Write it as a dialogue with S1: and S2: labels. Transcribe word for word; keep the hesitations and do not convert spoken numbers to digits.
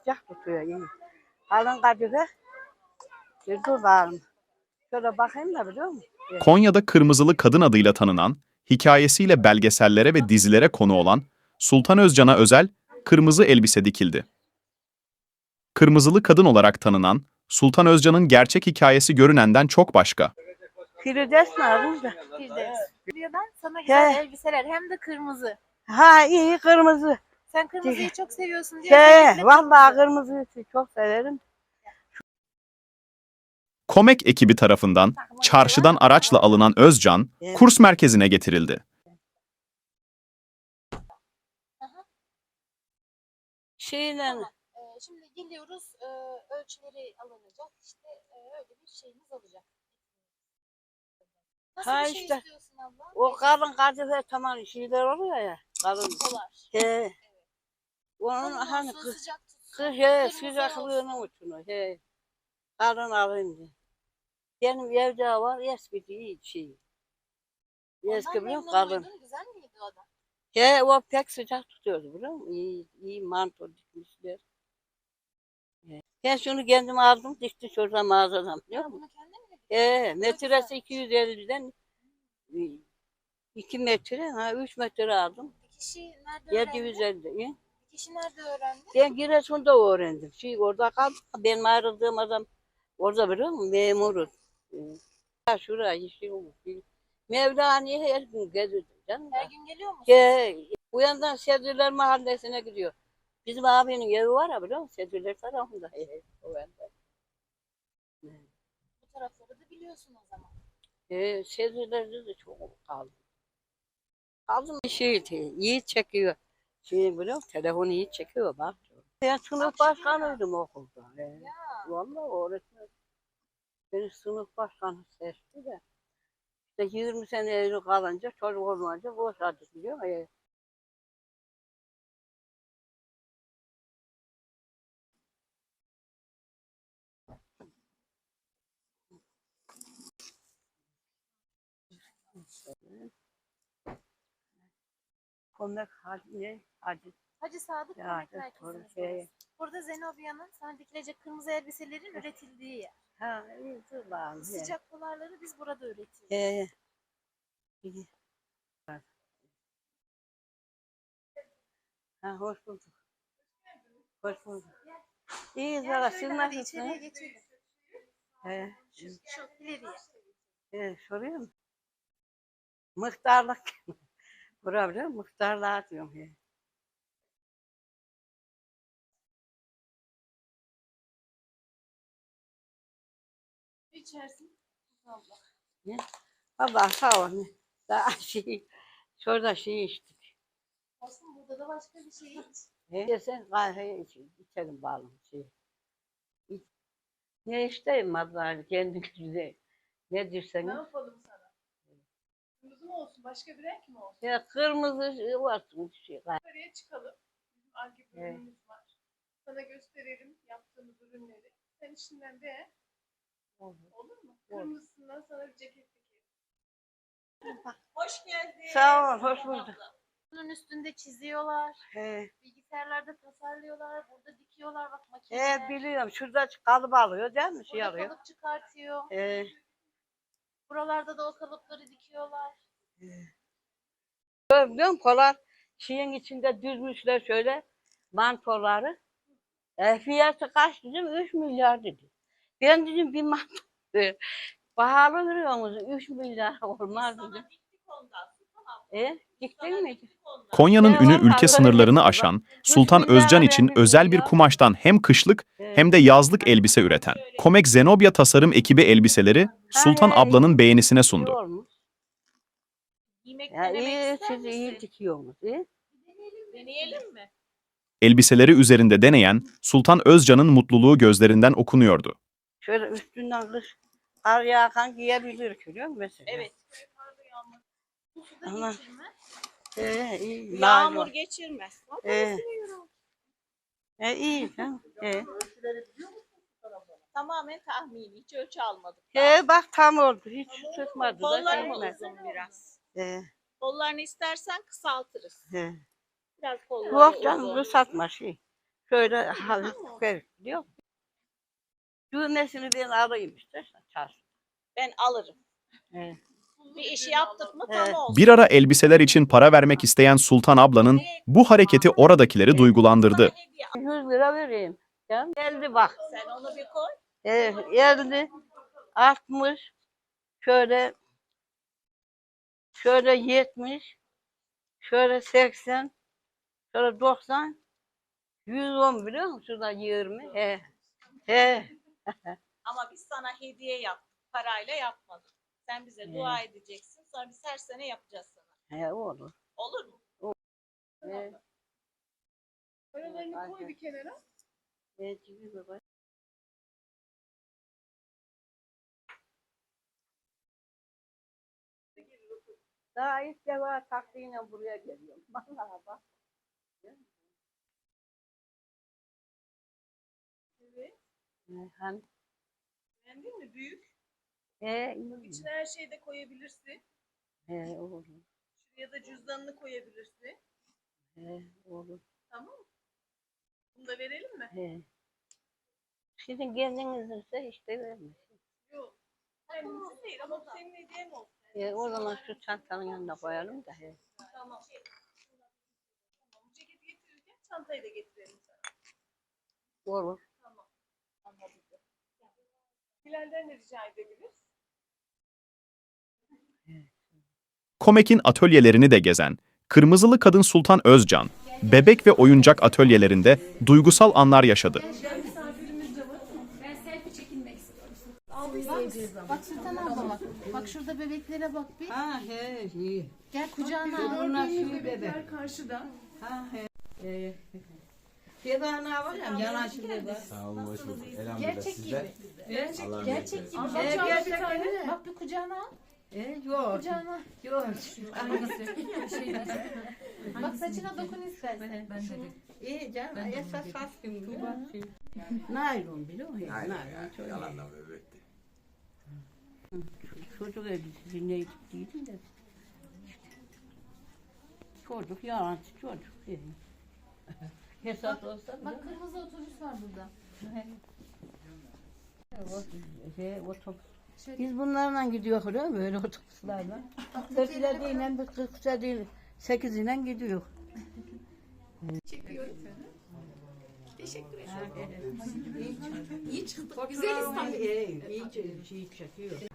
S1: sıcak tutuyor iyi. Kalın kadife. Bir dur bakalım. Şöyle bakayım da biliyor musun?
S2: Konya'da Kırmızılı Kadın adıyla tanınan, hikayesiyle belgesellere ve dizilere konu olan Sultan Özcan'a özel kırmızı elbise dikildi. Kırmızılı Kadın olarak tanınan Sultan Özcan'ın gerçek hikayesi görünenden çok başka.
S1: Firdevs mi aradınız da?
S3: Firdevs. Ben sana güzel
S1: He.
S3: elbiseler hem de kırmızı.
S1: Ha iyi kırmızı.
S3: Sen kırmızıyı çok seviyorsun diye.
S1: Şey,
S3: özellikle
S1: vallahi
S3: kırmızı.
S1: kırmızıyı çok severim.
S2: Komek ekibi tarafından çarşıdan araçla alınan Özcan, kurs merkezine getirildi.
S1: Şeyle
S3: Ee, şimdi geliyoruz, e, ölçüleri alınacak, işte e, öyle bir şeyimiz olacak. Nasıl
S1: Ha
S3: bir şey
S1: işte,
S3: istiyorsun abla?
S1: o kalın kadife tamam şeyler oluyor ya. Kalın.
S3: Dolar.
S1: He. Onun
S3: Kalın
S1: hani
S3: olsun,
S1: kız
S3: sıcak tutsun,
S1: kız he
S3: kırmızı
S1: sıcaklığının
S3: olsun.
S1: uçunu he. Kalın alayım diye. Benim evde var eski iyi şey. Eski
S3: Ondan
S1: biliyor musun?
S3: memnun
S1: Kalın.
S3: muydun? Güzel miydi o da?
S1: He o pek sıcak tutuyordu biliyor musun? İyi, iyi manto dikmişler. He. Ben şunu kendim aldım dikti şurada mağazadan biliyor musun?
S3: Bunu kendin mi diktin?
S1: He metresi iki yüz elliden iki metre ha üç metre aldım.
S3: Dikişi nerede
S1: yedi yüz
S3: öğrendin?
S1: elli.
S3: Dikişi nerede öğrendin?
S1: Ben Giresun'da öğrendim. Şey orada kaldım. Benim ayrıldığım adam orada biliyor musun? Memuruz. Ha şuraya şey olmuş. Mevlani'ye her gün geziyordum canım.
S3: Her gün geliyor musun?
S1: He, bu yandan Sedriler Mahallesi'ne gidiyor. Bizim abinin evi var ya biliyor musun? Sedriler tarafında. He, he, o yanda.
S3: Bu tarafları da biliyorsun o zaman.
S1: He, Sedriler'de de çok kaldım. Kaldım bir şey iyi çekiyor. Şey biliyor musun? Telefonu iyi çekiyor bak. Ben sınıf başkanıydım okulda. He.
S3: Ya.
S1: Vallahi öğretmen. Beni sınıf başkanı seçti de. İşte yirmi sene evli kalınca çocuk olmayınca boşadık biliyor musun? He. Konak hadi ne? Hadi.
S3: Hacı Sadık
S1: Ya,
S3: Konak
S1: evet,
S3: Merkezi'ndeyiz.
S1: şey.
S3: Burada Zenobia'nın sana dikilecek kırmızı elbiselerin üretildiği yer.
S1: Ha iyi dur bakalım. he.
S3: Sıcak polarları biz burada üretiyoruz.
S1: He. İyi. Ha hoş bulduk. Hoş bulduk. İyi Zara siz
S3: Şöyle hadi içeriye
S1: nasılsınız?
S3: geçelim.
S1: He.
S3: Şu, şu ileriye.
S1: He, soruyor musun? Muhtarlık. Bura biliyor musun? Muhtarlığa diyorum. He.
S3: İçersin. Allah.
S1: Ne? Allah sağ ol. Daha şey, şurada şey içtik.
S3: Olsun burada da başka bir şey iç.
S1: He. Sen kahve iç, içelim bağlı şey. İç. Ne isteyeyim vallahi kendi güzel. Ne
S4: Ne
S1: dirseniz.
S4: yapalım sana? Kırmızı mı olsun? Başka bir renk mi olsun?
S1: Ya kırmızı şey olsun şey.
S4: Yukarıya çıkalım. Bizim Arge
S1: Evet.
S4: bölümümüz var. Sana gösterelim yaptığımız ürünleri. Sen işinden beğen.
S1: Olur.
S4: Olur mu?
S1: Olur.
S4: Kırmızısından sana bir ceket dikelim. Hoş geldin.
S1: Sağ ol, hoş bulduk.
S3: Bunun üstünde çiziyorlar.
S1: He.
S3: Bilgisayarlarda tasarlıyorlar. Burada dikiyorlar bak makineler.
S1: He biliyorum. Şurada kalıp alıyor değil mi? Şey
S3: Burada
S1: alıyor.
S3: kalıp çıkartıyor.
S1: He.
S3: Buralarda da o kalıpları dikiyorlar.
S1: Biliyor musun? Kolar şeyin içinde düzmüşler şöyle mantoları. E, fiyatı kaç dedim? üç milyar dedi. Ben dedim bir manto. e, Pahalı veriyor musun? üç milyar olmaz dedim. E, diktin mi?
S2: Konya'nın
S1: Ya
S2: ünü
S1: vallahi
S2: ülke
S1: öyle
S2: sınırlarını
S1: bak.
S2: aşan
S1: Üç
S2: Sultan
S1: milyar
S2: Özcan için
S1: verdim
S2: özel bir
S1: ya.
S2: kumaştan hem kışlık
S1: He.
S2: hem de yazlık elbise üreten Komek Zenobia Tasarım ekibi elbiseleri Sultan
S1: he,
S2: ablanın
S1: iyi.
S2: beğenisine
S1: İyi
S2: sundu.
S1: olmuş.
S3: Yemek
S1: Ya
S3: denemek
S1: iyi,
S3: ister
S1: siz
S3: misin?
S1: iyi dikiyorsunuz. İyi.
S3: Deneyelim mi?
S2: Elbiseleri üzerinde deneyen Sultan Özcan'ın mutluluğu gözlerinden okunuyordu.
S1: Şöyle üstünden kış kar yağan giyebilir biliyor musun mesela?
S3: Evet. Bu suda
S1: Ama-
S3: geçirmez.
S1: He, iyi.
S3: Yağmur
S1: Yağmur.
S3: geçirmez.
S1: He. E, iyi. canım. He.
S3: Tamamen tahmini. Hiç ölçü almadık.
S1: He bak tam oldu. Hiç sıkmadı da.
S3: Kollar mı
S1: değmez.
S3: uzun biraz?
S1: He,
S3: Kollarını istersen kısaltırız.
S1: he.
S3: Biraz kolları
S1: Yok canım
S3: uzun.
S1: bu satma şey. Şöyle hafif karıştırıyor. Düğmesini ben alayım istersen çarşı.
S5: Ben alırım.
S1: Evet.
S5: Bir işi yaptık mı
S1: Evet.
S5: tam olsun.
S2: Bir ara elbiseler için para vermek isteyen Sultan ablanın bu hareketi oradakileri duygulandırdı.
S5: Sana hediye al.
S1: yüz lira vereyim. Ya, geldi bak.
S5: Sen onu bir koy.
S1: Evet, geldi. altmış. Şöyle şöyle yetmiş. Şöyle seksen. Şöyle doksan. yüz on biliyor musun? Şurada yirmi. He. He.
S5: Ama biz sana hediye yaptık. Parayla yapmadık. Sen bize
S1: Evet.
S5: dua edeceksin. Sonra biz her sene yapacağız sana.
S1: He olur.
S5: Olur mu?
S1: He.
S4: Paralarını koy bir kenara.
S1: He, gibi baba. Daha ilk defa taksiyle buraya geliyorum. Vallahi bak.
S5: Evet.
S1: He, Hani,
S5: Beğendin mi? Büyük.
S1: he, iyi.
S5: İçine her şeyi de koyabilirsin.
S1: He, olur.
S5: Şuraya da cüzdanını koyabilirsin.
S1: He, olur.
S5: Tamam mı? Bunu da verelim mi?
S1: He. Sizin kendinizse işte vermiş.
S5: Yok. Kendimizin değil ama bu senin hediyen olsun.
S1: E, o zaman şu çantanın yanına koyalım da. He.
S5: Tamam. Tamam. Ceketi getirirken çantayı da getirelim sana.
S1: Olur.
S5: Tamam. Anladım. Bilal'den de rica edebiliriz.
S2: Komek'in atölyelerini de gezen Kırmızılı Kadın Sultan Özcan, bebek ve oyuncak atölyelerinde duygusal anlar yaşadı.
S3: Bak Sultan abla bak. Bak şurada bebeklere bak bir.
S1: Ha he, iyi.
S3: Gel kucağına al.
S1: Bunlar
S4: Gördüğünüz
S1: şu bebek.
S4: bebekler karşıda.
S1: Ha he. E, Fiyatına var ya, yanaşı bebek.
S6: Sağ olun, hoş bulduk. Elhamdülillah
S3: Gerçek
S6: sizler.
S3: gibi.
S6: Allah'ım
S3: Gerçek gibi.
S4: Al
S3: Bak,
S1: Evet,
S4: bak bir
S1: gerçekten
S4: tane.
S1: de.
S3: bak bir kucağına al.
S1: E, yok.
S3: Kucağına.
S1: Yok.
S3: Bak saçına dokun istersen. Ben de.
S1: İyi canım. Esas saç gibi. Naylon biliyor musun? Naylon. çok iyi.
S6: Yalandan bebekti.
S1: Çocuk elbisesi ne gittiydim de. Çocuk yalancı çocuk. Hesap olsa
S3: Bak kırmızı otobüs var burada.
S1: şey, otobüs.
S3: Şöyle.
S1: Biz bunlarla gidiyoruz öyle mi? Böyle otobüslerle. Dört ile değil, kırk değil, sekiz ile gidiyor.
S4: Çekiyorum. Teşekkür ederim.
S1: İyi çıktı. Güzel İstanbul. İyi, iyi çekiyor.